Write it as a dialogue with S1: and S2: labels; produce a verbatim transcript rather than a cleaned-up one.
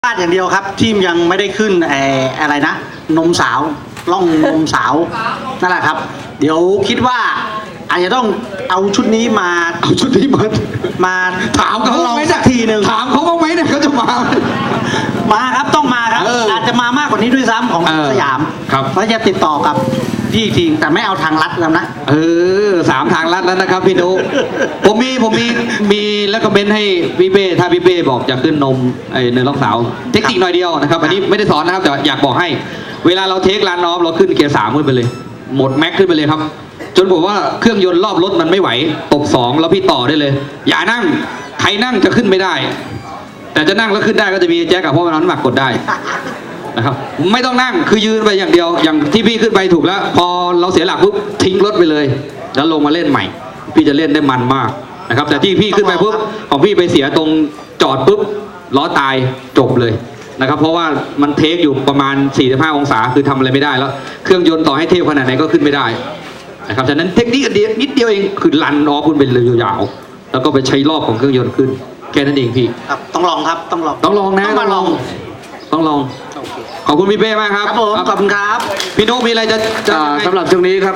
S1: พลาดอย่างเดียวครับที่ยังไม่ได้ขึ้นไอ้อะไรนะนมสาวล่องนมสาวนั่นแหละครับ เดี๋ยวคิดว่าอาจจะต้องเอาชุดนี้มา
S2: เอาชุดนี้มา
S1: มา
S2: ถามเขา
S1: ลอง
S2: ไหม
S1: สั
S2: เนี่ย
S1: กทีหนึ่ง
S2: ถามเขาบ้างไหมเนี่ยเขาจะมาไหม
S1: มาครับต้องมาครับ
S2: เอออ
S1: อาจจะมามากกว่านี้ด้วยซ้ำของ
S2: เออ
S1: สยาม
S2: ครับ
S1: แล้วจะติดต่อกับพี่ทีแต่ไม่เอาทางลัดแล้วนะ
S2: เออสามทางลัดแล้วนะครับพี่นุ ผมมีผมมีมีแล้วก็เบนให้พี่เป้ถ้าพี่เป้บอกจะขึ้นนมไอ้เนินล็อกสาวเทคนิคหน่อยเดียวนะครับอันนี้ไม่ได้สอนนะครับแต่อยากบอกให้ เวลาเราเทคลานออฟเราขึ้นเกียร์สามขึ้นไปเลย หมดแม็กขึ้นไปเลยครับ จนผมว่าเครื่องยนต์รอบรถมันไม่ไหวตบสองแล้วพี่ต่อได้เลย อย่านั่งใครนั่งจะขึ้นไม่ได้ แต่จะนั่งแล้วขึ้นได้ก็จะมีแจ็คกับเพราะมันน้ำหนักกดได้ นะครับไม่ต้องนั่งคือยืนไปอย่างเดียวอย่างที่พี่ขึ้นไปถูกแล้ว พอเราเสียหลักปุ๊บทิ้งรถไปเลย แล้วลงมาเล่นใหม่ พี่จะเล่นได้มันมากนะครับแต่ที่พี่ขึ้นไปปุ๊บของพี่ไปเสียตรงจอดปุ๊บล้อตายจบเลยนะครับเพราะว่ามันเทคอยู่ประมาณสี่สิบห้าองศาคือทำอะไรไม่ได้แล้ว เครื่องยนต์ต่อให้เทพขนาดไหนก็ขึ้นไม่ได้นะครับฉะนั้นเทคนิคเดียวนิดเดียวเองคือลันออฟคุณไปเลยยาวๆแล้วก็ไปใช้รอบของเครื่องยนต์ขึ้นแค่นั้นเองพี่
S1: ครับต้องลองครับต้องลอง
S2: ต้องลองนะ
S1: ต้องมาลอง
S2: ต้องลอง
S1: โอเค
S2: ขอบคุณพี่เป้มากครับ
S1: ครับผมขอบคุณครับ
S2: พี่นุ๊กมีอะไรจะจะ
S3: อ่าสำหรับช่วงนี้ครับ